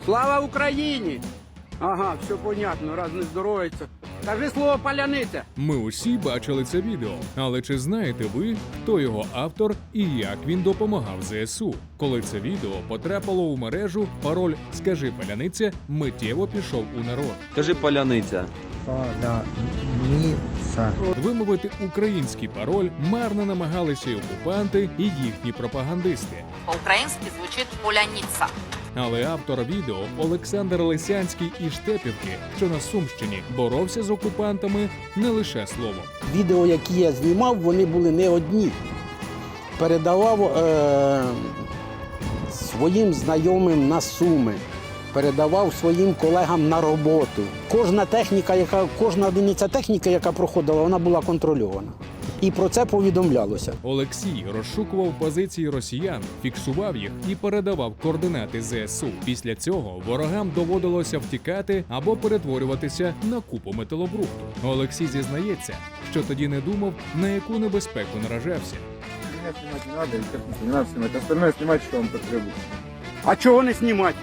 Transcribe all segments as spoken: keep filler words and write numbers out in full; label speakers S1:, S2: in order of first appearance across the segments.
S1: Слава Україні! Ага, все понятно, раз не здоровиться. Кажи слово «паляниця».
S2: Ми усі бачили це відео, але чи знаєте ви, хто його автор і як він допомагав ЗСУ? Коли це відео потрапило у мережу, пароль «Скажи паляниця» миттєво пішов у народ.
S3: Кажи паляниця.
S4: Паляниця.
S2: Вимовити український пароль марно намагалися і окупанти, і їхні пропагандисти.
S5: По-українськи звучить «поляниця».
S2: Але автор відео Олександр Лисянський із Штепівки, що на Сумщині, боровся з окупантами не лише словом.
S6: Відео, які я знімав, вони були не одні. Передавав е- своїм знайомим на Суми, передавав своїм колегам на роботу. Кожна техніка, яка, кожна одиниця техніки, яка проходила, вона була контрольована. І про це повідомлялося.
S2: Олексій розшукував позиції росіян, фіксував їх і передавав координати ЗСУ. Після цього ворогам доводилося втікати або перетворюватися на купу металобрухту. Олексій зізнається, що тоді не думав, на яку небезпеку наражався.
S4: Меня снимать не надо, не надо снимать. Остальное снимать, что вам потребуется.
S1: А чого не знімати?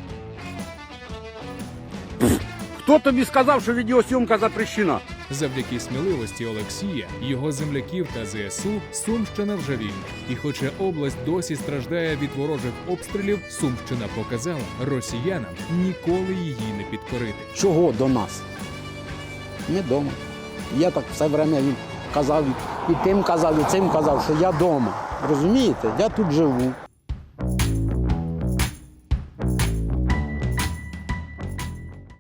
S1: Хто тобі сказав, що відеосйомка запрещена?
S2: Завдяки сміливості Олексія, його земляків та ЗСУ Сумщина вже вільна. І хоча область досі страждає від ворожих обстрілів, Сумщина показала росіянам ніколи її не підкорити.
S6: Чого до нас? Ми вдома. Я так все время їм казав, і тим казав, і цим казав, що я вдома. Розумієте? Я тут живу.